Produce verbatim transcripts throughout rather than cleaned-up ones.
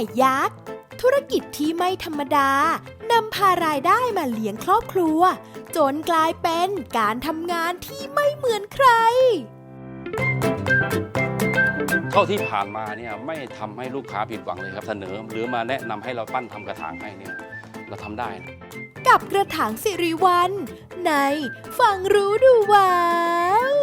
ยักษ์ธุรกิจที่ไม่ธรรมดานำพารายได้มาเลี้ยงครอบครัวจนกลายเป็นการทำงานที่ไม่เหมือนใครเท่าที่ผ่านมาเนี่ยไม่ทำให้ลูกค้าผิดหวังเลยครับเสนอหรือมาแนะนำให้เราปั้นทำกระถางให้เนี่ยเราทำได้นะกับกระถางสิริวัลย์ในฟังรู้ดูว้าว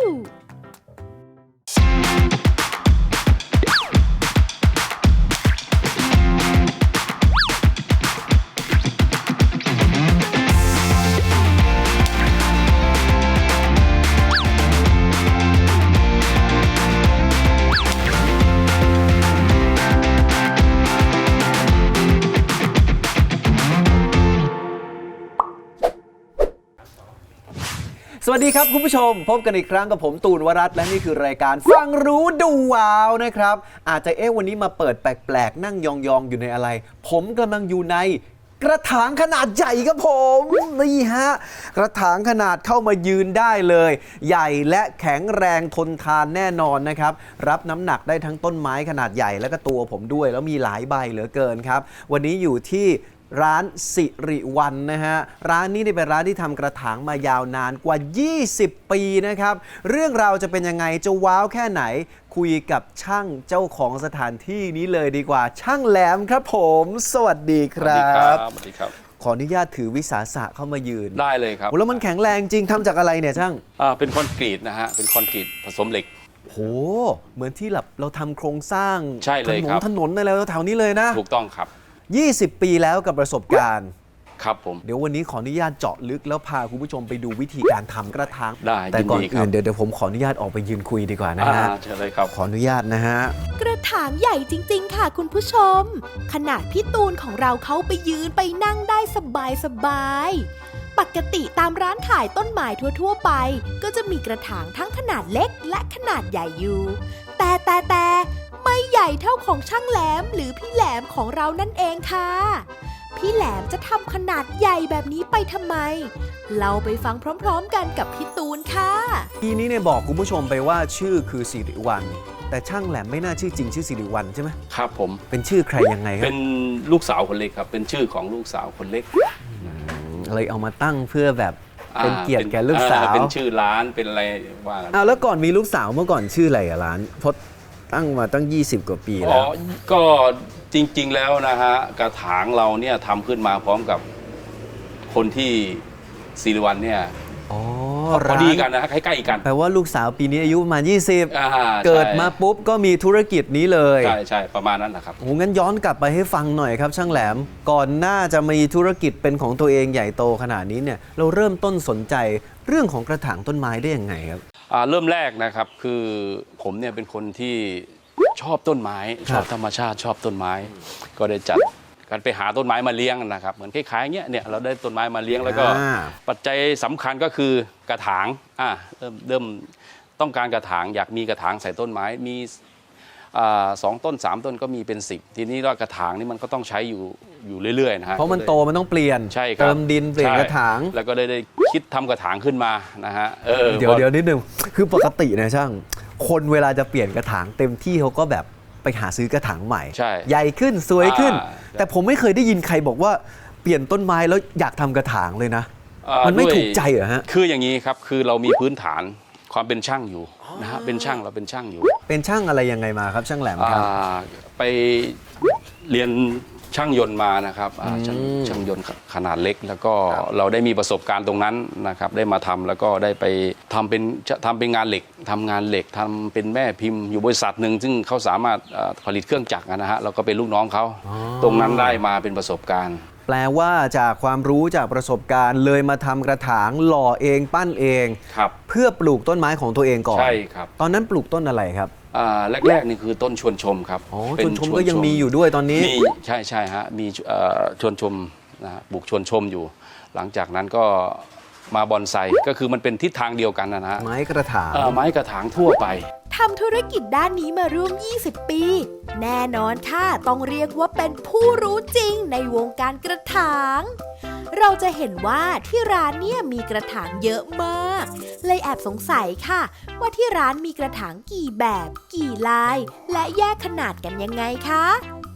สวัสดีครับคุณผู้ชมพบกันอีกครั้งกับผมตูนวรัตน์และนี่คือรายการฟังรู้ดูว้าวนะครับอาจจะเอ๊ะวันนี้มาเปิดแปลกๆนั่งยองๆอยู่ในอะไรผมกำลังอยู่ในกระถางขนาดใหญ่ครับผมนี่ฮะกระถางขนาดเข้ามายืนได้เลยใหญ่และแข็งแรงทนทานแน่นอนนะครับรับน้ำหนักได้ทั้งต้นไม้ขนาดใหญ่และก็ตัวผมด้วยแล้วมีหลายใบเหลือเกินครับวันนี้อยู่ที่ร้านสิริวัลย์นะฮะร้านนี้เป็นร้านที่ทำกระถางมายาวนานกว่ายี่สิบปีนะครับเรื่องราวจะเป็นยังไงจะว้าวแค่ไหนคุยกับช่างเจ้าของสถานที่นี้เลยดีกว่าช่างแหลมครับผมสวัสดีครับสวัสดีครับขออนุญาตถือวิสาสะเข้ามายืนได้เลยครับแล้วมันแข็งแรงจริงทำจากอะไรเนี่ยช่างอ่าเป็นคอนกรีตนะฮะเป็นคอนกรีตผสมเหล็กโหเหมือนที่แบบเราทำโครงสร้างใช่เลยครับถนนอะไรแถวนี้เลยนะถูกต้องครับยี่สิบปีแล้วกับประสบการณ์ครับผมเดี๋ยววันนี้ขออนุญาตเจาะลึกแล้วพาคุณผู้ชมไปดูวิธีการทำกระถางได้แต่ก่อนอื่นเดี๋ยวเดี๋ยวผมขออนุญาตออกไปยืนคุยดีกว่านะฮะเชิญเลยครับขออนุญาตนะฮะกระถางใหญ่จริงๆค่ะคุณผู้ชมขนาดพี่ตูนของเราเขาไปยืนไปนั่งได้สบายสบายปกติตามร้านขายต้นไม้ทั่วๆไปก็จะมีกระถางทั้งขนาดเล็กและขนาดใหญ่อยู่แต่แต่แต่ไม่ใหญ่เท่าของช่างแหลมหรือพี่แหลมของเรานั่นเองค่ะพี่แหลมจะทำขนาดใหญ่แบบนี้ไปทำไมเราไปฟังพร้อมๆกันกับพี่ตูนค่ะทีนี้เนี่ยบอกคุณผู้ชมไปว่าชื่อคือสิริวัลย์แต่ช่างแหลมไม่น่าชื่อจริงชื่อสิริวัลย์ใช่ไหมครับผมเป็นชื่อใครยังไงครับเป็นลูกสาวคนเล็กครับเป็นชื่อของลูกสาวคนเล็กเลยเอามาตั้งเพื่อแบบเป็นเกียรติแก่ลูกสาวเป็นชื่อร้านเป็นอะไรว่าอ้าวแล้วก่อนมีลูกสาวเมื่อก่อนชื่ออะไรอะร้านพดตั้งมาตั้งยี่สิบกว่าปีแล้วก็จริงๆแล้วนะฮะกระถางเราเนี่ยทำขึ้นมาพร้อมกับคนที่สิริวัลย์เนี่ยอ๋อพอดีกันนะใกล้ๆกันแปลว่าลูกสาวปีนี้อายุประมาณยี่สิบเกิดมาปุ๊บก็มีธุรกิจนี้เลยใช่ใช่ประมาณนั้นนะครับโอ้งั้นย้อนกลับไปให้ฟังหน่อยครับช่างแหลมก่อนหน้าจะมีธุรกิจเป็นของตัวเองใหญ่โตขนาดนี้เนี่ยเราเริ่มต้นสนใจเรื่องของกระถางต้นไม้ได้ยังไงครับเริ่มแรกนะครับคือผมเนี่ยเป็นคนที่ชอบต้นไม้ชอบธรรมชาติชอบต้นไม้ก็ได้จัดการไปหาต้นไม้มาเลี้ยงนะครับเหมือนคล้ายๆเงี้ยเนี่ยเราได้ต้นไม้มาเลี้ยงแล้วก็ปัจจัยสำคัญก็คือกระถางอ่าเริ่มเริ่มต้องการกระถางอยากมีกระถางใส่ต้นไม้มีสองต้นสามต้นก็มีเป็นสิบทีนี้ว่ากระถางนี่มันก็ต้องใช้อยู่อยู่เรื่อยๆนะฮะเพราะมันโตมันต้องเปลี่ยนใช่ครับเติมดินเปลี่ยนกระถางแล้วก็ได้ได้คิดทำกระถางขึ้นมานะฮะเดี๋ยวเดี๋ยวนิดนึงคือปกตินะช่างคนเวลาจะเปลี่ยนกระถางเต็มที่เขาก็แบบไปหาซื้อกระถางใหม่ใหญ่ขึ้นสวยขึ้นแต่ผมไม่เคยได้ยินใครบอกว่าเปลี่ยนต้นไม้แล้วอยากทำกระถางเลยนะมันไม่ถูกใจเหรอฮะคืออย่างนี้ครับคือเรามีพื้นฐานความเป็นช่างอยู่นะฮะเป็นช่างเราเป็นช่างอยู่เป็นช่างอะไรยังไงมาครับช่างแหลมครับไปเรียนช่างยนต์มานะครับช่างช่างยนต์ขนาดเล็กแล้วก็เราได้มีประสบการณ์ตรงนั้นนะครับได้มาทำแล้วก็ได้ไปทำเป็นทำเป็นงานเหล็กทำงานเหล็กทำเป็นแม่พิมพ์อยู่บริษัทหนึ่งซึ่งเขาสามารถผลิตเครื่องจักรนะฮะเราก็เป็นลูกน้องเขาตรงนั้นได้มาเป็นประสบการณ์แปลว่าจากความรู้จากประสบการณ์เลยมาทำกระถางหล่อเองปั้นเองเพื่อปลูกต้นไม้ของตัวเองก่อนใช่ครับตอนนั้นปลูกต้นอะไรครับแรกๆนี่คือต้นชวนชมครับอ๋อชวนชมก็ยังมีอยู่ด้วยตอนนี้มีใช่ใช่ฮะมีชวนชมนะปลูกชวนชมอยู่หลังจากนั้นก็มาบอนไซก็คือมันเป็นทิศทางเดียวกันนะฮะไม้กระถางไม้กระถางทั่วไปทำธุรกิจด้านนี้มาร่วมยี่สิบปีแน่นอนค่ะต้องเรียกว่าเป็นผู้รู้จริงในวงการกระถางเราจะเห็นว่าที่ร้านเนี่ยมีกระถางเยอะมากเลยแอบสงสัยค่ะว่าที่ร้านมีกระถางกี่แบบกี่ลายและแยกขนาดกันยังไงคะ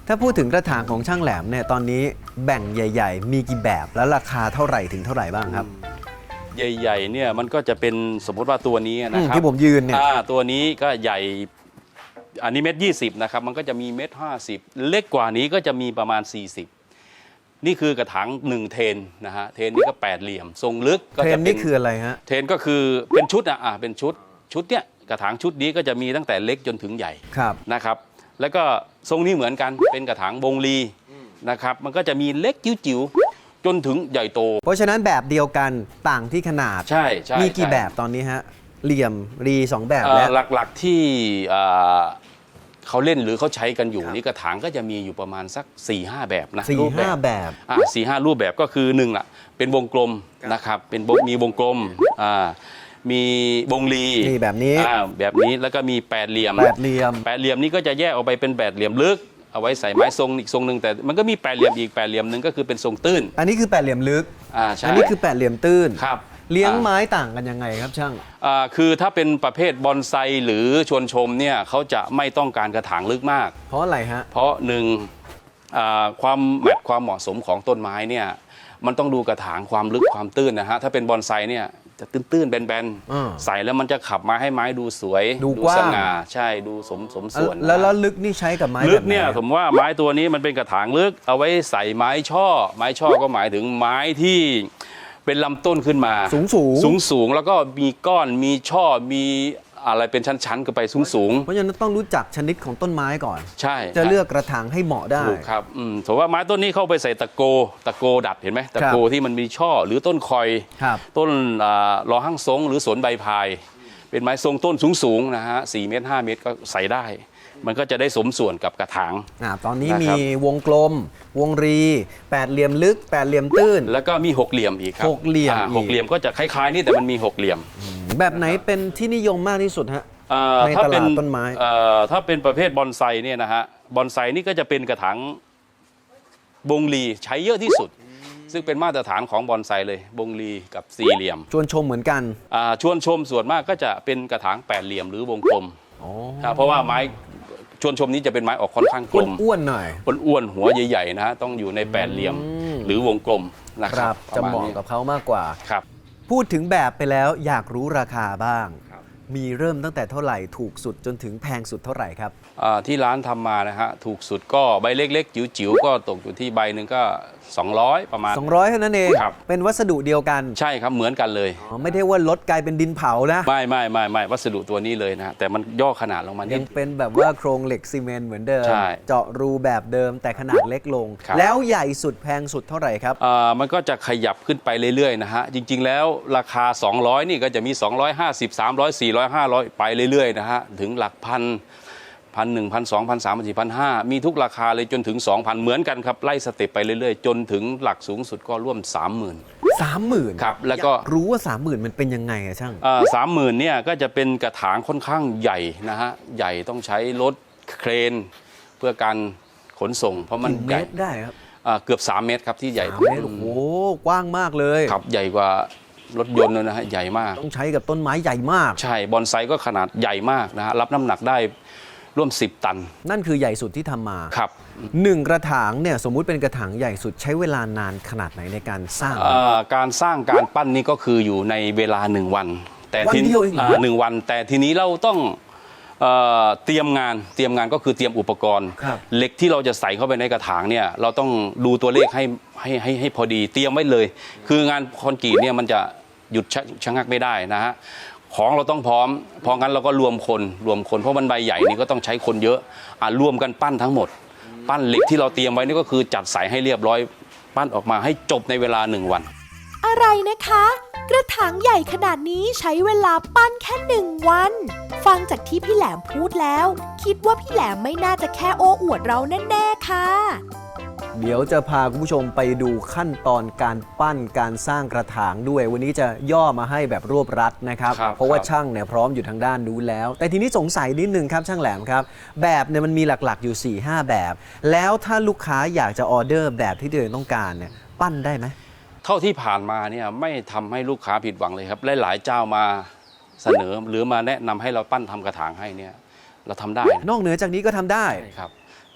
ถ้าพูดถึงกระถางของช่างแหลมเนี่ยตอนนี้แบ่งใหญ่ ๆ มีกี่แบบแล้วราคาเท่าไหร่ถึงเท่าไหร่บ้างครับใหญ่ๆเนี่ยมันก็จะเป็นสมมติว่าตัวนี้นะอืมครับที่ผมยืนเนี่ยอ่าตัวนี้ก็ใหญ่อันนี้เม็ดยี่สิบนะครับมันก็จะมีเม็ดห้าสิบเล็กกว่านี้ก็จะมีประมาณ สี่สิบนี่คือกระถางหนึ่งเทนนะฮะเทนนี่ก็แปดเหลี่ยมทรงลึกก็เทรจะนเป็นี่นคืออะไรฮะเทนก็คือเป็นชุดอ่ะอ่ะเป็นชุดชุดเนี้ยกระถางชุดนี้ก็จะมีตั้งแต่เล็กจนถึงใหญ่ครับนะครับแล้วก็ทรงนี้เหมือนกันเป็นกระถางบงลีนะครับมันก็จะมีเล็กจิ๋วๆจนถึงใหญ่โตเพราะฉะนั้นแบบเดียวกันต่างที่ขนาดใช่ใช่มีกี่ใช่แบบตอนนี้ฮะเหลี่ยมรีสองแบบเอ่อแล้วหลักๆที่เอ่อเขาเล่นหรือเขาใช้กันอยู่ครับนี่กระถางก็จะมีอยู่ประมาณสัก4ี่ห้าแบบนะสี่รูปแบห้าบแบบอ่าสี่ห้ารูปแบบก็คือหนึ่งล่ะเป็นวงกลมนะครับเป็นวงมีวงกลมอ่ามีวงลีนี่แบบนี้อ่าแบบนี้แล้วก็มีแปดเหลี่ยมแปดเหลี่ยมแปดเหลี่ยมนี้ก็จะแยกออกไปเป็นแปดเหลี่ยมลึกเอาไว้ใส่ไม้ทรงอีกทรงหนึ่งแต่มันก็มีแปดเหลี่ยมอีกแปดเหลี่ยมหนึ่งก็คือเป็นทรงตื้นอันนี้คือแปดเหลี่ยมลึกอ่าใช่อันนี้คือแปดเหลี่ยมตื้นครับเลี้ยงอ่าไม้ต่างกันยังไงครับช่างอ่าคือถ้าเป็นประเภทบอนไซหรือชวนชมเนี่ยเขาจะไม่ต้องการกระถางลึกมากเพราะอะไรฮะเพราะหนึ่งอ่าความแมทความเหมาะสมของต้นไม้เนี่ยมันต้องดูกระถางความลึกความตื้นนะฮะถ้าเป็นบอนไซเนี่ยจะตื้นๆแบนอ่าๆใส่แล้วมันจะขับมาให้ไม้ดูสวยดูกว้างสง่าใช่ดูสมสมส่วนแล้วแล้วลึกนี่ใช้กับไม้ลึแบกบไหนเนี่ยครับผมว่าไม้ตัวนี้มันเป็นกระถางลึกเอาไว้ใส่ไม้ช่อ ไม้ช่อก็หมายถึงไม้ที่เป็นลำต้นขึ้นมาสูงสูงสูงสูงแล้วก็มีก้อนมีช่อมีอะไรเป็นชั้นๆกันไปสูงสูงเพราะฉะนั้นต้องรู้จักชนิดของต้นไม้ก่อนใช่จะเลือกกระถางให้เหมาะได้ถูกครับอืมถือว่าไม้ต้นนี้เข้าไปใส่ตะโกตะโกดัดเห็นไหมตะโกที่มันมีช่อหรือต้นคอยครับต้นอ่ารอหั่งซงหรือสวนใบพาย เป็นไม้ทรงต้นสูงๆนะฮะสี่เมตรห้าเมตรก็ใส่ได้ มันก็จะได้สมส่วนกับกระถางอ่าตอนนี้นะครับมีวงกลม วงรีแปดเหลี่ยมลึกแปดเหลี่ยมตื้นแล้วก็มีหกเหลี่ยมอีกครับหกเหลี่ยมอ่าอีกหกเหลี่ยมก็จะคล้ายๆนี่แต่มันมีหกเหลี่ยมแบบไหนเป็นที่นิยมมากที่สุดฮะเอ่อในถ้าตเป็นลาดต้นไม้เอ่อถ้าเป็นประเภทบอนไซเนี่ยนะฮะบอนไซนี่ก็จะเป็นกระถางบงลีใช้เยอะที่สุด ซึ่งเป็นมาตรฐานของบอนไซเลยบงลีกับสี่เหลี่ยมชวนชมเหมือนกันอ่าชวนชมส่วนมากก็จะเป็นกระถางแปดเหลี่ยมหรือวงกลมอ๋อครับเพราะว่าไม้ชวนชมนี้จะเป็นไม้ออกค่อนข้างกลมอ้วนๆหน่อยอ้วนๆหัวใหญ่ๆนะฮะต้องอยู่ในแปดเหลี่ยมอืมหรือวงกลมนะคครัรับบจะปรเหมาะนี้กับเขามากกว่าครับพูดถึงแบบไปแล้วอยากรู้ราคาบ้าง มีเริ่มตั้งแต่เท่าไหร่ถูกสุดจนถึงแพงสุดเท่าไหร่ครับอ่าที่ร้านทำมานะฮะถูกสุดก็ใบเล็กๆ จิ๋วๆ ก็ตกอยู่ที่ใบหนึ่งก็ สองร้อย ประมาณสองร้อยเท่านั้นเองครับเป็นวัสดุเดียวกันใช่ครับเหมือนกันเลยอ๋อไม่ได้ว่าลดกลายเป็นดินเผานะไม่ไม่ไม่ไม่วัสดุตัวนี้เลยนะฮะแต่มันย่อขนาดลงมานิยัดงเป็นแบบว่าโครงเหล็กซีเมนต์เหมือนเดิมใช่เจาะรูแบบเดิมแต่ขนาดเล็กลงครับแล้วใหญ่สุดแพงสุดเท่าไหร่ครับอ่ามันก็จะขยับขึ้นไปเรื่อยๆนะฮะจริง ๆ แล้วราคา สองร้อย นี่ก็จะมี สองร้อยห้าสิบ สามร้อย สี่ร้อย ห้าร้อย ไปเรื่อยๆนะฮะถึงหลักพันพันหนึ่งพันสองพันสามพันสี่พันห้ามีทุกราคาเลยจนถึง สองพัน เหมือนกันครับไล่สเต็ปไปเรื่อยๆ จนถึงหลักสูงสุดก็ร่วม สามหมื่นสามหมื่นครับแล้วก็รู้ว่าสามหมื่นมันเป็นยังไงอะช่างสามหมื่นเนี่ยก็จะเป็นกระถางค่อนข้างใหญ่นะฮะใหญ่ต้องใช้รถเครน เพื่อการขนส่ง เพราะมันกี่เมใหญ่ตรได้ครับอ่าเกือบ สาม เมตรครับที่ใหญ่สามเมตรโอ้โหกว้างมากเลยครับใหญ่กว่ารถยนต์เลยนะฮะใหญ่มากต้องใช้กับต้นไม้ใหญ่มากใช่บอนไซก็ขนาดใหญ่มากนะฮะรับน้ำหนักได้ร่วม สิบ ตันนั่นคือใหญ่สุดที่ทำมาครับหนึ่งกระถางเนี่ยสมมุติเป็นกระถางใหญ่สุดใช้เวลานานขนาดไหนในการสร้างอ่าการสร้างการปั้นนี่ก็คืออยู่ในเวลาหนึ่งวัน แต่ทีวันเดียวเองเหรออ่าหนึ่งวัน แต่ทีนี้เราต้องเอ่อเตรียมงานเตรียมงานก็คือเตรียมอุปกรณ์ครับเหล็กที่เราจะใส่เข้าไปในกระถางเนี่ยเราต้องดูตัวเลขให้ให้ให้ให้พอดีเตรียมไว้เลย คืองานคอนกรีตเนี่ยมันจะหยุดชะชะงักไม่ได้นะฮะของเราต้องพร้อมเพราะงั้นเราก็รวมคนรวมคนเพราะมันใบใหญ่นี่ก็ต้องใช้คนเยอะอ่ะรวมกันปั้นทั้งหมด ปั้นเหล็กที่เราเตรียมไว้นี่ก็คือจัดใส่ให้เรียบร้อยปั้นออกมาให้จบในเวลาหนึ่งวันอะไรนะคะ กระถางใหญ่ขนาดนี้ใช้เวลาปั้นแค่หนึ่งวัน ฟังจากที่พี่แหลมพูดแล้ว คิดว่าพี่แหลมไม่น่าจะแค่โอ้อวดเราแน่ๆค่ะเดี๋ยวจะพาคุณผู้ชมไปดูขั้นตอนการปั้นการสร้างกระถางด้วย วันนี้จะย่อมาให้แบบรวบรัดนะครับครับเพราะว่าครับช่างเนี่ยพร้อมอยู่ทางด้านนู้นแล้ว แต่ทีนี้สงสัยนิดนึงครับช่างแหลมครับ แบบเนี่ยมันมีหลักๆอยู่ สี่ห้า แบบ แล้วถ้าลูกค้าอยากจะออเดอร์แบบที่ตัวเองต้องการเนี่ยปั้นได้ไหมเท่าที่ผ่านมาเนี่ยไม่ทำให้ลูกค้าผิดหวังเลยครับหลายๆเจ้ามาเสนอหรือมาแนะนำให้เราปั้นทำกระถางให้เนี่ยเราทำได้นอกเหนือจากนี้ก็ทำได้ใช่ครับ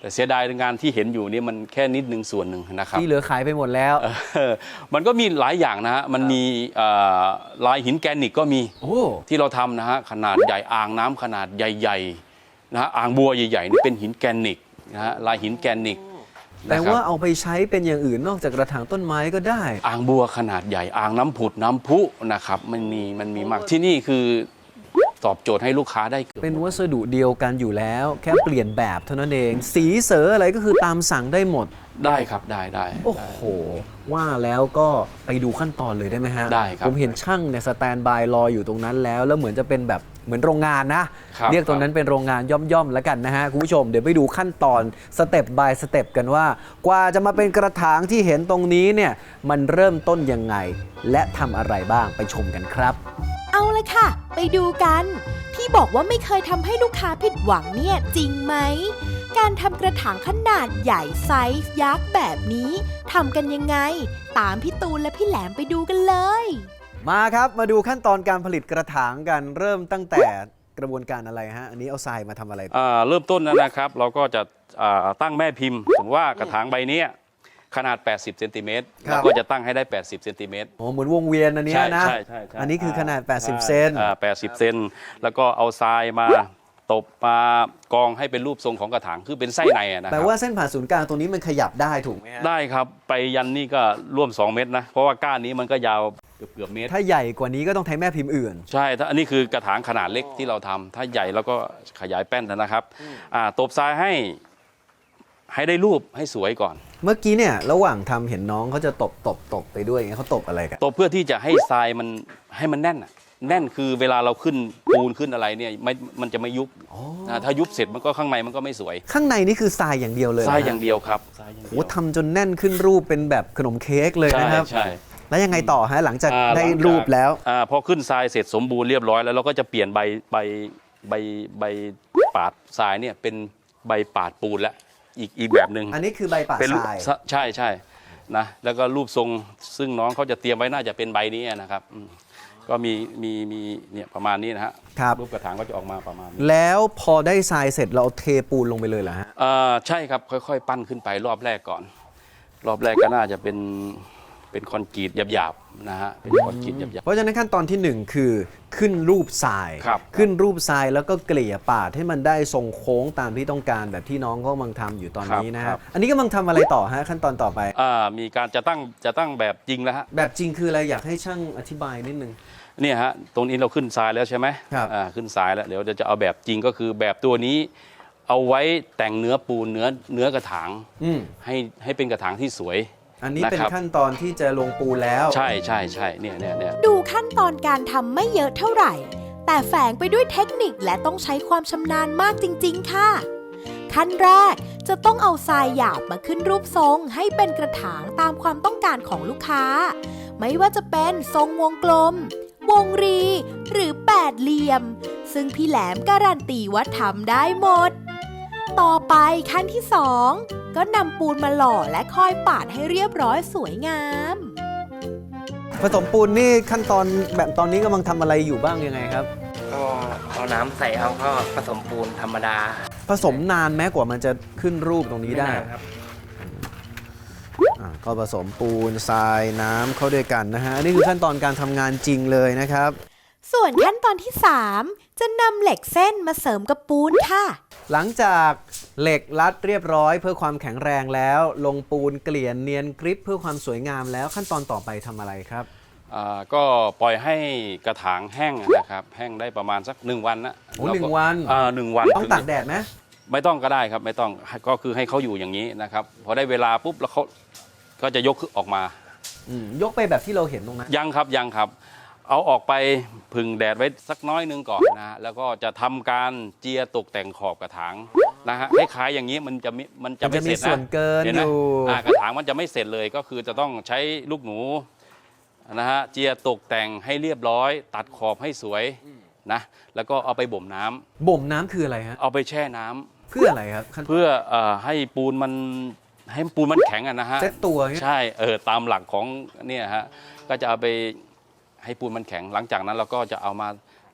แต่เสียดายงานที่เห็นอยู่นี่มันแค่นิดนึงส่วนหนึ่งนะครับที่เหลือขายไปหมดแล้วเออมันก็มีหลายอย่างนะฮะมันมีเอ่อลายหินแกรนิตก็มีโอ้ที่เราทำนะฮะขนาดใหญ่อ่างน้ำขนาดใหญ่ๆนะฮะอ่างบัวใหญ่ๆนี่เป็นหินแกรนิตนะฮะลายหินแกรนิตแต่นะครับว่าเอาไปใช้เป็นอย่างอื่นนอกจากกระถางต้นไม้ก็ได้อ่างบัวขนาดใหญ่อ่างน้ำผุดน้ำพุนะครับมันมีมันมีมากที่นี่คือตอบโจทย์ให้ลูกค้าได้เป็นวัสดุเดียวกันอยู่แล้ว แค่เปลี่ยนแบบเท่านั้นเอง สีเสออะไรก็คือตามสั่งได้หมดได้ครับได้ได้โอ้โห ว่าแล้วก็ไปดูขั้นตอนเลยได้ไหมฮะได้ครับผมเห็นช่างเนี่ยสแตนบายรออยู่ตรงนั้นแล้ว แล้วเหมือนจะเป็นแบบเหมือนโรงงานนะครับเรียกตรงนั้นเป็นโรงงานย่อมๆแล้วกันนะฮะคุณผู้ชมเดี๋ยวไปดูขั้นตอนสเต็ปบายสเต็ปกันว่า กว่าจะมาเป็นกระถางที่เห็นตรงนี้เนี่ยมันเริ่มต้นยังไง และทำอะไรบ้างไปชมกันครับเอาเลยค่ะ ไปดูกัน ที่บอกว่าไม่เคยทำให้ลูกค้าผิดหวังเนี่ยจริงไหม การทำกระถางขนาดใหญ่ไซส์ยักษ์แบบนี้ทำกันยังไง ตามพี่ตูนและพี่แหลมไปดูกันเลยมาครับมาดูขั้นตอนการผลิตกระถางกันเริ่มตั้งแต่กระบวนการอะไรฮะอันนี้เอาทรายมาทำอะไรอ่าเริ่มต้นนะครับเราก็จะอ่าตั้งแม่พิมพ์สมมติว่ากระถางใบเนี้ยขนาดแปดสิบเซนติเมตรเราก็จะตั้งให้ได้แปดสิบเซนติเมตรโอ้เหมือนวงเวียนอันเนี้ยนะใช่ใช่ใช่อันนี้คือขนาดแปดสิบเซนอ่าแปดสิบเซนแล้วก็เอาทรายมาตบมากองให้เป็นรูปทรงของกระถางคือเป็นไส้ในอะนะคแปลรับว่าเส้นผ่านศูนย์กลางตรงนี้มันขยับได้ถูกไหมฮะได้ครับไปยันนี่ก็ร่วมสองเมตรนะเพราะว่าก้านนี้มันก็ยาวเกือบเกือบเมตรถ้าใหญ่กว่านี้ก็ต้องใช้แม่พิมพ์อื่นใช่ถ้าอันนี้คือกระถางขนาดเล็กที่เราทำถ้าใหญ่แล้วก็ขยายแป้นนะครับอ่าตบทรายให้ให้ได้รูปให้สวยก่อนเมื่อกี้เนี่ยระหว่างทำเห็นน้องเขาจะตบตบตบไปด้วยอย่างเงี้ยเขาตบอะไรกันตบเพื่อที่จะให้ทรายมันให้มันแน่นอะแน่นคือเวลาเราขึ้นปูนขึ้นอะไรเนี่ยไม่มันจะไม่ยุบนะถ้ายุบเสร็จมันก็ข้างในมันก็ไม่สวยข้างในนี่คือทรายอย่างเดียวเลยทรายนะอย่างเดียวครับทรายอย่างโหเดียวทำจนแน่นขึ้นรูปเป็นแบบขนมเค้กเลยใช่นะครับใช่แล้วยังไงต่อฮะหลังจากอ่าได้หลังจากรูปแล้วอ่าพอขึ้นทรายเสร็จสมบูรณ์เรียบร้อยแล้วเราก็จะเปลี่ยนใบใบใบใบปาดทรายเนี่ยเป็นใบปาดปูนแล้วอีกอีกแบบหนึ่งอันนี้คือใบป่าเป็นทรายใช่ใช่นะแล้วก็รูปทรงซึ่งน้องเขาจะเตรียมไว้น่าจะเป็นใบนี้นะครับอืมก็มีมีมีเนี่ยประมาณนี้นะฮะครับรูปกระถางก็จะออกมาประมาณนี้แล้วพอได้ทรายเสร็จเราเอาเทปูนลงไปเลยเหรอฮะเอ่อใช่ครับค่อยๆ ปั้นขึ้นไปรอบแรกก่อน รอบแรกก็น่าจะเป็นเป็นคอนกรีตหยาบๆนะฮะเป็นคอนกรีตหยาบเพราะฉะนั้นขั้นตอนที่หนึ่งคือขึ้นรูปทรายครับขึ้นรูปทรายแล้วก็เกลี่ยปาดให้มันได้ทรงโค้งตามที่ต้องการแบบที่น้องเขากำลังทำอยู่ตอนนี้นะครัฮะบอันนี้กำลังทำอะไรต่อฮะขั้นตอนต่อไปๆอ่ามีการจะตั้งจะตั้งแบบจริงแล้วฮะแบบจริงคืออะไรอยากให้ช่างอธิบายนิดนึงเนี่ยฮะตรงนี้เราขึ้นทรายแล้วใช่ไหมครับอ่าขึ้นทรายแล้วเดี๋ยวจะจะเอาแบบจริงก็คือแบบตัวนี้ เอาไว้แต่งเนื้อปูนเนื้อเนื้อกระถางอืมให้ให้เป็นกระถางที่สวยอันนี้เป็นนะครับขั้นตอนที่จะลงปูนแล้วใช่ใช่ใช่เนี่ยเนี่ยเนี่ยดูขั้นตอนการทำไม่เยอะเท่าไหร่ แต่แฝงไปด้วยเทคนิคและต้องใช้ความชำนาญมากจริงๆค่ะ ขั้นแรกจะต้องเอาทรายหยาบมาขึ้นรูปทรงให้เป็นกระถางตามความต้องการของลูกค้า ไม่ว่าจะเป็นทรงวงกลม วงรี หรือแปดเหลี่ยม ซึ่งพี่แหลมการันตีว่าทำได้หมด ต่อไปขั้นที่สองก็นำปูนมาหล่อและค่อยปาดให้เรียบร้อยสวยงามผสมปูนนี่ขั้นตอนแบบตอนนี้กำลังทำอะไรอยู่บ้างยังไงครับก็เอาน้ำใส่เอาก็ผสมปูนธรรมดาผสมนานแม้กว่ามันจะขึ้นรูปตรงนี้ได้ม่าครับอ่าก็ผสมปูนทรายน้ำเข้าด้วยกันนะฮะอันนี่คือขั้นตอนการทำงานจริงเลยนะครับส่วนขั้นตอนที่สามจะนำเหล็กเส้นมาเสริมกับปูนค่ะหลังจากเหล็กรัดเรียบร้อยเพื่อความแข็งแรงแล้ว ลงปูนเกลี่ยเนียนกริปเพื่อความสวยงามแล้วขั้นตอนต่อไปทำอะไรครับอ่าก็ปล่อยให้กระถางแห้งนะครับแห้งได้ประมาณสักหนึ่งวันนะโอ้แล้วก็หนึ่งวันอ่าหนึ่งวันต้องถึตากแดดไหมไม่ต้องก็ได้ครับไม่ต้องก็คือให้เขาอยู่อย่างนี้นะครับพอได้เวลาปุ๊บแล้วเขาก็จะยกออกมาอืมยกไปแบบที่เราเห็นตรงนั้นยังครับยังครับ เอาออกไปพึ่งแดดไว้สักน้อยหนึงก่อนนะฮะแล้วก็จะทำการเจียตกแต่งขอบกระถางนะฮะคล้ายๆอย่างนี้มันจะมิมันจะมันไม่จะเสมีร็จส่นะวนเกินห็ไหอมยู่อ่ากระถางมันจะไม่เสร็จเลยก็คือจะต้องใช้ลูกหนูนะฮะเจียตกแต่งให้เรียบร้อย ตัดขอบให้สวยนะแล้วก็เอาไปบ่มน้ำบ่มน้ำคืออะไรฮะเอาไปแช่น้ำเพื่ออะไรครับขั้นเพื่อเอ่อให้ปูนมันให้ปูนมันแข็งอะนะฮะเซตตัวเนี่ยใช่เออตามหลักของเนี่ยฮะก็จะเอาไปให้ปูนมันแข็งหลังจากนั้นเราก็จะเอามา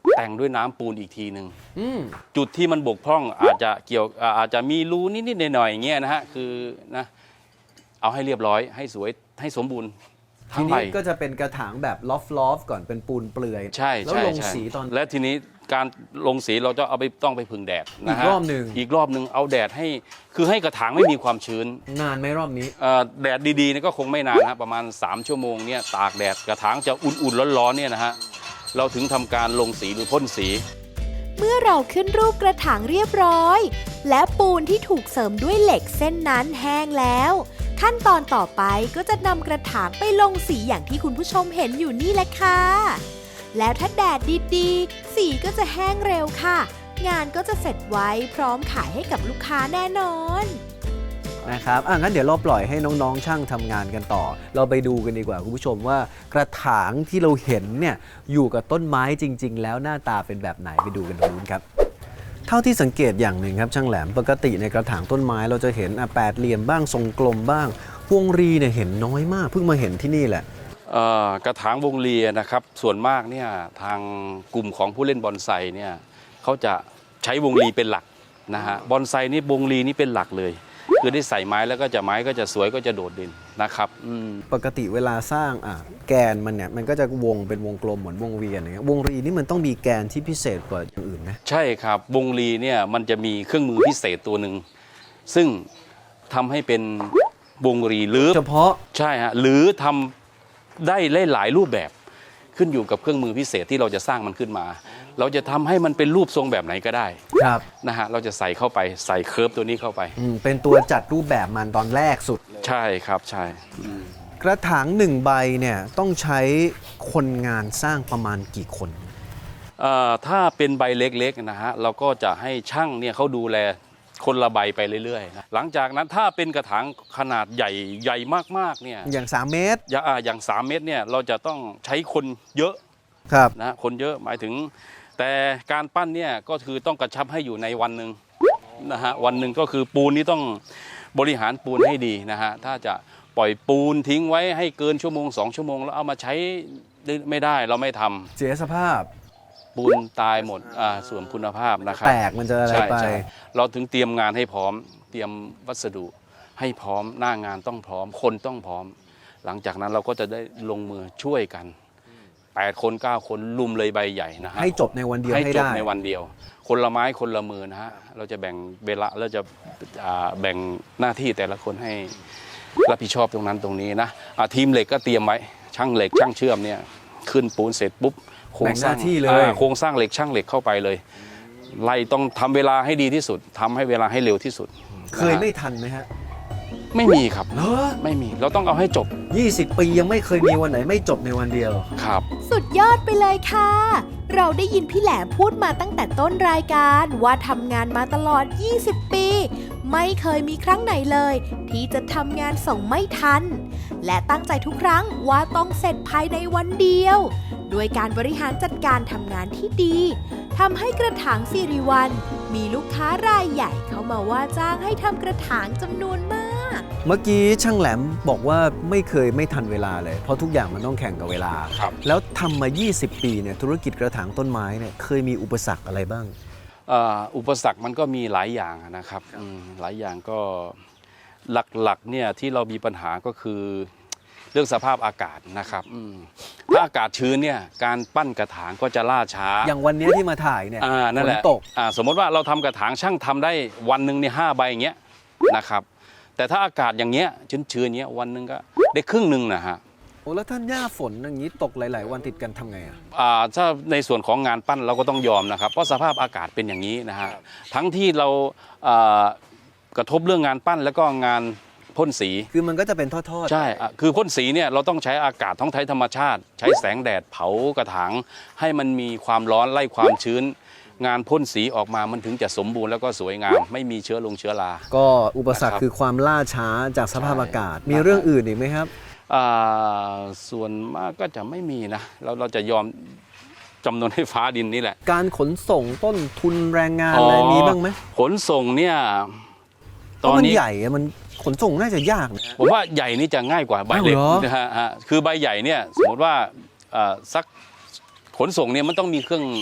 แต่งด้วยน้ำปูนอีกทีหนึ่งอืมจุดที่มันบกพร่องอาจจะเกี่ยวอ่าอาจจะมีรูนิดๆหน่อยๆอย่างเงี้ยนะฮะคือนะเอาให้เรียบร้อยให้สวยให้สมบูรณ์ทีทั้งใบนี้ก็จะเป็นกระถางแบบลอฟลอฟก่อนเป็นปูนเปลือยใช่แล้วใช่ลงใช่สีตอนและทีนี้การลงสีเราจะเอาไปต้องไปพึ่งแดดนะฮะอีกรอบหนึ่งอีกรอบหนึ่งเอาแดดให้คือให้กระถางไม่มีความชื้นนานไหมรอบนี้เอ่อแดดดีๆเนี่ยก็คงไม่นานนะฮะประมาณสามชั่วโมงเนี่ยตากแดดกระถางจะอุ่นๆร้อนๆเนี่ยนะฮะเราถึงทำการลงสีหรือพ่นสีเมื่อเราขึ้นรูปกระถางเรียบร้อย และปูนที่ถูกเสริมด้วยเหล็กเส้นนั้นแห้งแล้ว ขั้นตอนต่อไปก็จะนำกระถางไปลงสีอย่างที่คุณผู้ชมเห็นอยู่นี่แหละค่ะ แล้วถ้าแดดดีๆ สีก็จะแห้งเร็วค่ะ งานก็จะเสร็จไว้พร้อมขายให้กับลูกค้าแน่นอนนะครับอ่ะงั้นเดี๋ยวเราปล่อยให้น้องๆช่างทำงานกันต่อ เราไปดูกันดีกว่าคุณผู้ชมว่ากระถางที่เราเห็นเนี่ยอยู่กับต้นไม้จริง ๆ แล้วหน้าตาเป็นแบบไหนไปดูกันตรงนู้นครับ เท่าที่สังเกตอย่างหนึ่งครับช่างแหลมปกติในกระถางต้นไม้เราจะเห็นอ่ะแปดเหลี่ยมบ้างทรงกลมบ้างพวงรีเนี่ยเห็นน้อยมากเพิ่งมาเห็นที่นี่แหละเอ่อกระถางวงเลียนะครับส่วนมากเนี่ยทางกลุ่มของผู้เล่นบอนไซเนี่ยเขาจะใช้วงลีเป็นหลักนะฮะบอนไซนี่วงลีนี่เป็นหลักเลยคือได้ใส่ไม้แล้วก็จะไม้ก็จะสวยก็จะโดดเด่นนะครับอืมปกติเวลาสร้างอ่ะแกนมันเนี่ยมันก็จะวงเป็นวงกลมเหมือนวงเวียนอย่างเงี้ยวงรีนี่มันต้องมีแกนที่พิเศษกว่าอย่างอื่นไหมใช่ครับวงลีเนี่ยมันจะมีเครื่องมือพิเศษตัวหนึ่งซึ่งทำให้เป็นวงรีหรือเฉพาะใช่ฮะหรือทำได้หลายรูปแบบขึ้นอยู่กับเครื่องมือพิเศษที่เราจะสร้างมันขึ้นมา เราจะทำให้มันเป็นรูปทรงแบบไหนก็ได้ครับนะฮะเราจะใส่เข้าไปใส่เคิร์ฟตัวนี้เข้าไปอืมเป็นตัวจัดรูปแบบมันตอนแรกสุดใช่ครับใช่กระถางหนึ่งใบเนี่ยต้องใช้คนงานสร้างประมาณกี่คนเอ่อถ้าเป็นใบเล็กๆนะฮะเราก็จะให้ช่างเนี่ยเขาดูแลคนละใบไปเรื่อยๆนะหลังจากนั้นถ้าเป็นกระถางขนาดใหญ่ใหญ่มากๆเนี่ยอย่างสามเมตรอย่างอ่าอย่างสามเมตรเนี่ยเราจะต้องใช้คนเยอะครับนะคนเยอะหมายถึง แต่การปั้นเนี่ยก็คือต้องกระชับให้อยู่ในวันหนึ่งนะฮะวันหนึ่งก็คือปูนนี้ต้องบริหารปูนให้ดีนะฮะถ้าจะปล่อยปูนทิ้งไว้ให้เกินชั่วโมงสองชั่วโมงแล้วเอามาใช้ไม่ได้เราไม่ทำเสียสภาพปูนตายหมดอ่าส่วนคุณภาพนะครับแตกมันจะอะไรใช่ไปใช่เราถึงเตรียมงานให้พร้อม เตรียมวัสดุให้พร้อมหน้างานต้องพร้อม คนต้องพร้อม หลังจากนั้นเราก็จะได้ลงมือช่วยกันแปดคนเก้าคนลุมเลยใบใหญ่นะฮะให้จบในวันเดียวให้ให้จบได้ในวันเดียว คนละไม้คนละมือนะฮะเราจะแบ่งเวลาเราจะอ่าแบ่งหน้าที่แต่ละคนให้รับผิดชอบตรงนั้นตรงนี้นะอ่าทีมเหล็กก็เตรียมไว้ช่างเหล็กช่างเชื่อมเนี่ยขึ้นปูนเสร็จปุ๊บโครงสร้างแบ่งหน้าที่เลยอ่าโครงสร้างเหล็กช่างเหล็กเข้าไปเลย ไล่ต้องทำเวลาให้ดีที่สุดทำให้เวลาให้เร็วที่สุดเคยไม่ทันไหมฮะไม่มีครับเหรอไม่มีเราต้องเอาให้จบยี่สิบปียังไม่เคยมีวันไหนไม่จบในวันเดียวครับสุดยอดไปเลยค่ะ เราได้ยินพี่แหลมพูดมาตั้งแต่ต้นรายการว่าทำงานมาตลอด ยี่สิบ ปี ไม่เคยมีครั้งไหนเลย ที่จะทำงานส่งไม่ทัน และตั้งใจทุกครั้งว่าต้องเสร็จภายในวันเดียว ด้วยการบริหารจัดการทำงานที่ดีทำให้กระถางสิริวัลมีลูกค้ารายใหญ่เข้ามาว่าจ้างให้ทำกระถางจำนวนมากเมื่อกี้ช่างแหลมบอกว่าไม่เคยไม่ทันเวลาเลย เพราะทุกอย่างมันต้องแข่งกับเวลาครับแล้วทำมา ยี่สิบ ปีเนี่ยธุรกิจกระถางต้นไม้เนี่ยเคยมีอุปสรรคอะไรบ้างอ่าอุปสรรคมันก็มีหลายอย่างนะครับอืมหลายอย่างก็หลักๆเนี่ยที่เรามีปัญหาก็คือเรื่องสภาพอากาศนะครับอืมถ้าอากาศชื้นเนี่ยการปั้นกระถางก็จะล่าช้าอย่างวันนี้ที่มาถ่ายเนี่ยอ่านั่นแหละฝตกอ่าสมมติว่าเราทำกระถางช่างทำได้วันหนึ่งเนี่ยห้าใบอย่างเงี้ยนะครับแต่ถ้าอากาศอย่างเงี้ยชื้นๆเงี้ยวันหนึ่งก็ได้ครึ่งหนึ่งนะฮะโอ้แล้วท่านหญ้าฝนอย่างนี้ตกหลาย ๆ วันติดกันทำไงอ่ะอ่าถ้าในส่วนของงานปั้นเราก็ต้องยอมนะครับเพราะสภาพอากาศเป็นอย่างนี้นะฮะทั้งที่เราอ่ากระทบเรื่องงานปั้นแล้วก็งานพ่นสีคือมันก็จะเป็นทอดใช่อ่ะคือพ่นสีเนี่ยเราต้องใช้อากาศท้องไทยธรรมชาติ ใช้แสงแดดเผากระถางให้มันมีความร้อนไล่ความชื้น งานพ่นสีออกมามันถึงจะสมบูรณ์แล้วก็สวยงาม ไม่มีเชื้อลงเชื้อราๆ ก็อุปสรรคนะครับคือความล่าช้าจากสภาพใช่อากาศ มีเรื่องอื่นอีกไหมครับอ่าส่วนมากก็จะไม่มีนะเราเราจะยอมจำนวนให้ฟ้าดินนี่แหละการขนส่งต้นทุนแรงงานอะไรมีบ้างไหมขนส่งเนี่ยเพตอนราะมันนี้ใหญ่อะมันขนส่งน่าจะยากนะผมว่าใหญ่นี่จะง่ายกว่าใบเล็กอ้าวเหรอนะฮะฮะคือใบใหญ่เนี่ยสมมติว่าเอ่อสักขนส่งเนี่ยมันต้องมีเครื่อง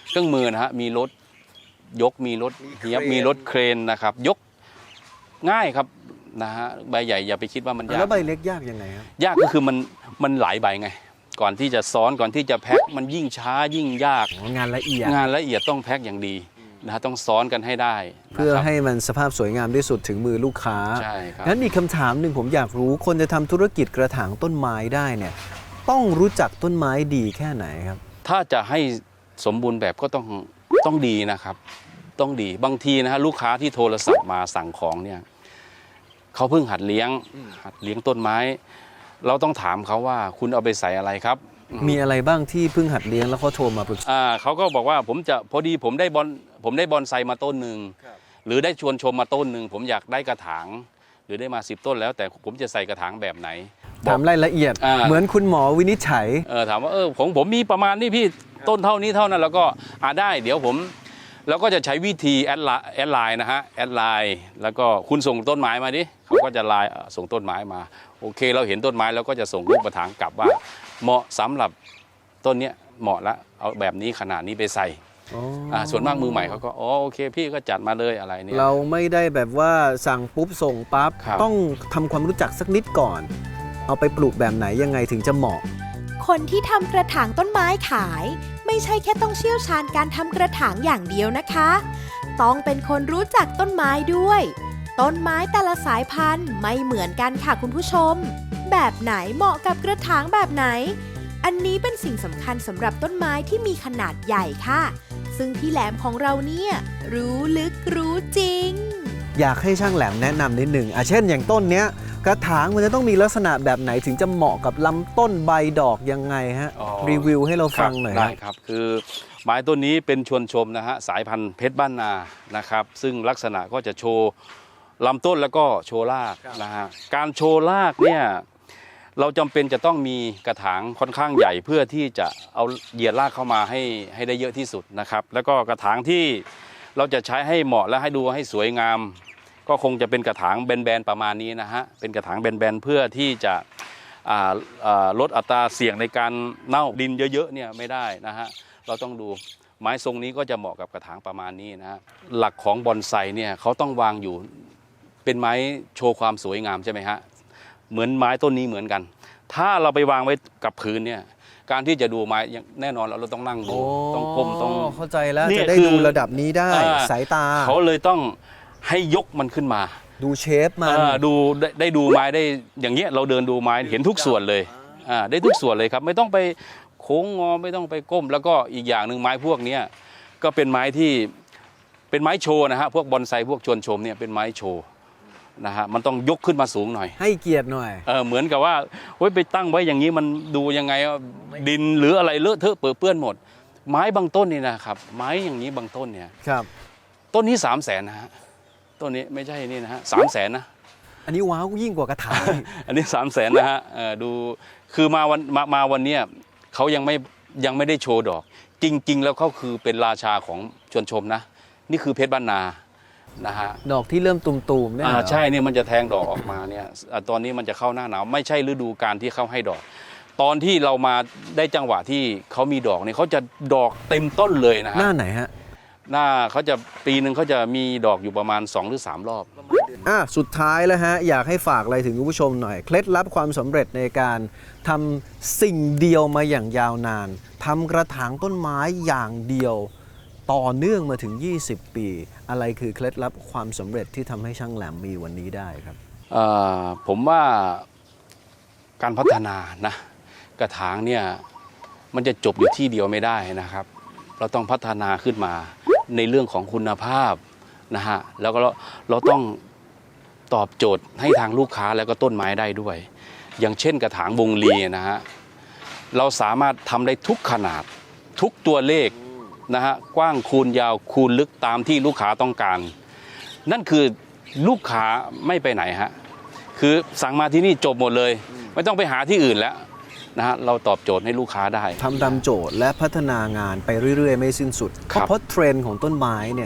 เครื่องมือนะฮะมีรถยกมีรถเฮียบมีรถเครนนะครับยกง่ายครับนะฮะใบใหญ่อย่าไปคิดว่ามันยากแล้วใบเล็กยากยังไงครับยากก็คือมันมันหลายใบไง ก่อนที่จะซ้อนก่อนที่จะแพ็คมันยิ่งช้ายิ่งยากงานละเอียดงานละเอียดต้องแพ็คอย่างดีนะฮะต้องซ้อนกันให้ได้เพื่อนะครับให้มันสภาพสวยงามที่สุดถึงมือลูกค้าใช่ครับงั้นมีคำถามหนึ่งผมอยากรู้คนจะทำธุรกิจกระถางต้นไม้ได้เนี่ยต้องรู้จักต้นไม้ดีแค่ไหนครับถ้าจะให้สมบูรณ์แบบก็ต้องต้องดีนะครับ ต้องดีบางทีนะฮะลูกค้าที่โทรศัพท์มาสั่งของเนี่ยเขาเพิ่งหัดเลี้ยงหัดเลี้ยงต้นไม้ เราต้องถามเขาว่าคุณเอาไปใส่อะไรครับมีอะไรบ้างที่เพิ่งหัดเลี้ยงแล้วเขาโทรมาปรึกษาอ่าเขาก็บอกว่าผมจะพอดีผมได้บอนผมได้บอนไซมาต้นหนึ่งหรือได้ชวนชมมาต้นหนึ่งผมอยากได้กระถาง หรือได้มาสิบต้นแล้วแต่ผมจะใส่กระถางแบบไหนถามรายละเอียดอ่าเหมือนคุณหมอวินิจฉัยเออถามว่าเออผมผมมีประมาณนี้พี่ต้นเท่านี้เท่านั้นแล้วก็อ่าได้เดี๋ยวผมแล้วก็จะใช้วิธีแอดไลน์แอดไลน์นะฮะแอดไลน์แล้วก็คุณส่งต้นไม้มาดิเขาก็จะไลน์ส่งต้นไม้มาโอเคเราเห็นต้นไม้แล้วก็จะส่งรูปกระถางกลับว่าเหมาะสำหรับต้นเนี้ยเหมาะละเอาแบบนี้ขนาดนี้ไปใส่อ่าส่วนมากมือใหม่เขาก็อ๋อโอเคพี่ก็จัดมาเลยอะไรเนี่ยเราไม่ได้แบบว่าสั่งปุ๊บส่งปั๊บครับต้องทำความรู้จักสักนิดก่อน เอาไปปลูกแบบไหนยังไงถึงจะเหมาะคนที่ทำกระถางต้นไม้ขาย ไม่ใช่แค่ต้องเชี่ยวชาญการทำกระถางอย่างเดียวนะคะ ต้องเป็นคนรู้จักต้นไม้ด้วย ต้นไม้แต่ละสายพันธุ์ไม่เหมือนกันค่ะคุณผู้ชม แบบไหนเหมาะกับกระถางแบบไหน อันนี้เป็นสิ่งสำคัญสำหรับต้นไม้ที่มีขนาดใหญ่ค่ะ ซึ่งพี่แหลมของเราเนี่ยรู้ลึกรู้จริงอยากให้ช่างแหลมแนะนำนิดหนึ่งอ่ะเช่นอย่างต้นเนี้ยกระถางมันจะต้องมีลักษณะแบบไหนถึงจะเหมาะกับลำต้นใบดอกยังไงฮะอ๋อรีวิวให้เราฟังหน่อยได้ฮะครับคือไม้ต้นนี้เป็นชวนชมนะฮะสายพันธุ์เพชรบ้านนานะครับซึ่งลักษณะก็จะโชว์ลำต้นแล้วก็โชว์รากนะฮะการโชว์รากเนี่ยเราจำเป็นจะต้องมีกระถางค่อนข้างใหญ่เพื่อที่จะเอาเหยียดรากเข้ามาให้ให้ได้เยอะที่สุดนะครับแล้วก็กระถางที่เราจะใช้ให้เหมาะและให้ดูให้สวยงาม ก็คงจะเป็นกระถางแบนๆประมาณนี้นะฮะเป็นกระถางแบนๆเพื่อที่จะอ่าอ่าลดอัตราเสี่ยงในการเน่าดินเยอะๆเนี่ยไม่ได้นะฮะเราต้องดูไม้ทรงนี้ก็จะเหมาะกับกระถางประมาณนี้นะฮะหลักของบอนไซเนี่ยเขาต้องวางอยู่เป็นไม้โชว์ความสวยงามใช่ไหมฮะเหมือนไม้ต้นนี้เหมือนกัน ถ้าเราไปวางไว้กับพื้นเนี่ยการที่จะดูไม้อย่างแน่นอนเราต้องนั่งดูต้องก้มต้องเข้าใจแล้วเนี่ยจะได้คือดูระดับนี้ได้อ่าสายตาเขาเลยต้องให้ยกมันขึ้นมาดูเชฟมันอ่าดูได้ได้ดูไม้ได้อย่างเงี้ยเราเดินดูไม้เห็นทุกส่วนเลยอ่าได้ทุกส่วนเลยครับไม่ต้องไปโค้งงอไม่ต้องไปก้ม แล้วก็อีกอย่างหนึ่งไม้พวกเนี้ยก็เป็นไม้ที่เป็นไม้โชว์นะฮะพวกบอนไซพวกชวนชมเนี่ยเป็นไม้โชว์นะฮะมันต้องยกขึ้นมาสูงหน่อยให้เกียรติหน่อยเออเหมือนกับว่าเฮ้ยไปตั้งไว้อย่างนี้มันดูยังไงว่าดินหรืออะไรเลอะเทอะเปื้อนเปื้อนหมด ไม้บางต้นนี่นะครับไม้อย่างนี้บางต้นเนี่ยครับต้นนี้สามแสนนะฮะต้นนี้ไม่ใช่นี่นะฮะสามแสนนะอันนี้ว้าวยิ่งกว่ากระถางอันนี้สามแสนนะฮะเอ่อดูคือมาวันมามาวันเนี้ยเขายังไม่ยังไม่ได้โชว์ดอก จริง ๆ แล้วเขาคือเป็นราชาของชวนชมนะ นี่คือเพชรบ้านนานะฮะดอกที่เริ่มตุ่มๆเนี่ยอ่าเหรอใช่เนี่ยมันจะแทงดอกออกมาเนี่ยอ่าตอนนี้มันจะเข้าหน้าหนาวไม่ใช่ฤดูการที่เขาให้ดอก ตอนที่เรามาได้จังหวะที่เขามีดอกเนี่ยเขาจะดอกเต็มต้นเลยนะหฮะน้าไหนฮะหน้าเขาจะปีหนึ่งเขาจะมีดอกอยู่ประมาณสองหรือสามรอบอ่ะสุดท้ายแล้วฮะอยากให้ฝากอะไรถึงคุณผู้ชมหน่อย เคล็ดลับความสำเร็จในการทำสิ่งเดียวมาอย่างยาวนานทำกระถางต้นไม้อย่างเดียว ต่อเนื่องมาถึงยี่สิบปี อะไรคือเคล็ดลับความสำเร็จที่ทำให้ช่างแหลมมีวันนี้ได้ครับเอ่อผมว่าการพัฒนานะกระถางเนี่ยมันจะจบอยู่ที่เดียวไม่ได้นะครับ เราต้องพัฒนาขึ้นมาในเรื่องของคุณภาพนะฮะแล้วก็เราเราต้องตอบโจทย์ให้ทางลูกค้าแล้วก็ต้นไม้ได้ด้วย อย่างเช่นกระถางวงลีนะฮะเราสามารถทำได้ทุกขนาดทุกตัวเลขนะฮะกว้างคูณยาวคูณลึกตามที่ลูกค้าต้องการ นั่นคือลูกค้าไม่ไปไหนฮะคือสั่งมาที่นี่จบหมดเลย ไม่ต้องไปหาที่อื่นแล้วนะฮะเราตอบโจทย์ให้ลูกค้าได้ทำตามโจทย์และพัฒนางานไปเรื่อยๆ ไม่สิ้นสุดครับเพราะเทรนด์ของต้นไม้เนี่ย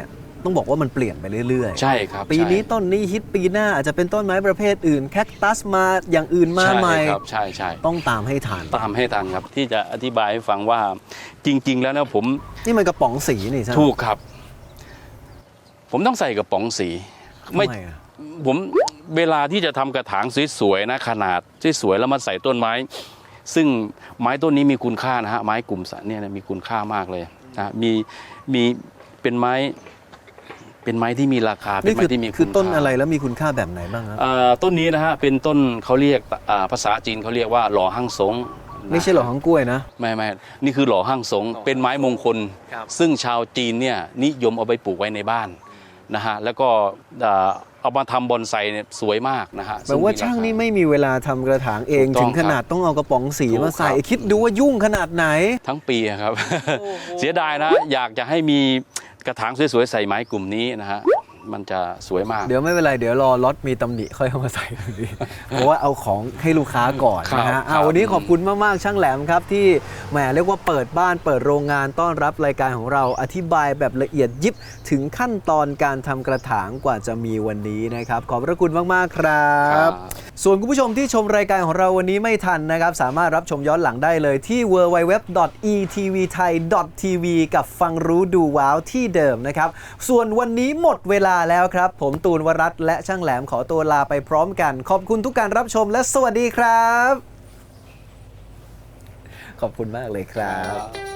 ต้องบอกว่ามันเปลี่ยนไปเรื่อยๆใช่ครับปีนี้ใช่ต้นนี้ฮิตปีหน้าอาจจะเป็นต้นไม้ประเภทอื่นแคคตัสมาอย่างอื่นมาใหม่ใช่ครับใช่ใช่ต้องตามให้ทันตามให้ทันครับที่จะอธิบายให้ฟังว่าจริง ๆ แล้วนะผมนี่มันกระป๋องสีนี่ใช่ไหมถูกครับ ผมต้องใส่กระป๋องสีทำไมอะผมเวลาที่จะทำกระถางสวยๆนะขนาดสวยๆแล้วมาใส่ต้นไม้ ซึ่งไม้ต้นนี้มีคุณค่านะฮะไม้กลุ่มสะเนี่ยนะมีคุณค่ามากเลยนะมีมีเป็นไม้ เป็นไม้ที่มีราคาเป็นนี่ไม้คือที่มีคือณต้นค่าอะไรแล้วมีคุณค่าแบบไหนบ้างครับอ่าต้นนี้นะฮะเป็นต้นเขาเรียกอ่าภาษาจีนเขาเรียกว่าหล่อหั่งสงไม่ใช่หรอของกล้วยนะไม่ไม่นี่คือหล่อหั่งสงเป็นไม้มงคลครับซึ่งชาวจีนเนี่ยนิยมเอาไปปลูกไว้ในบ้านนะฮะแล้วก็อ่าเอามาทำบอนไซเนี่ยสวยมากนะฮะแปลว่าช่างนี่ไม่มีเวลาทำกระถางเองถูกต้องถึงขนาดต้องเอากระป๋องสีถูกมาใส่ครับคิดดูว่ายุ่งขนาดไหนทั้งปีอะครับ เสียดายนะอยากจะให้มีกระถางสวยๆใส่ไม้กลุ่มนี้นะฮะมันจะสวยมากเดี๋ยวไม่เป็นไรเดี๋ยวรอล็อตมีตำหนิค่อยเอามาใส่ ดีเพราะว่าเอาของให้ลูกค้าก่อนครับนะฮะครัอ่าบวันนี้ขอบคุณมากๆช่างแหลมครับที่แหมเรียกว่าเปิดบ้านเปิดโรงงานต้อนรับรายการของเราอธิบายแบบละเอียดยิบถึงขั้นตอนการทำกระถางกว่าจะมีวันนี้นะครับขอบพระคุณมากๆครับ ส่วนคุณผู้ชมที่ชมรายการของเราวันนี้ไม่ทันนะครับ สามารถรับชมย้อนหลังได้เลยที่ ดับเบิลยู ดับเบิลยู ดับเบิลยู ดอท อี ที วี ไทย ดอท ที วี กับฟังรู้ดูว้าวที่เดิมนะครับ ส่วนวันนี้หมดเวลาแล้วครับ ผมตูนวรัตน์และช่างแหลมขอตัวลาไปพร้อมกัน ขอบคุณทุกการรับชมและสวัสดีครับ ขอบคุณมากเลยครับ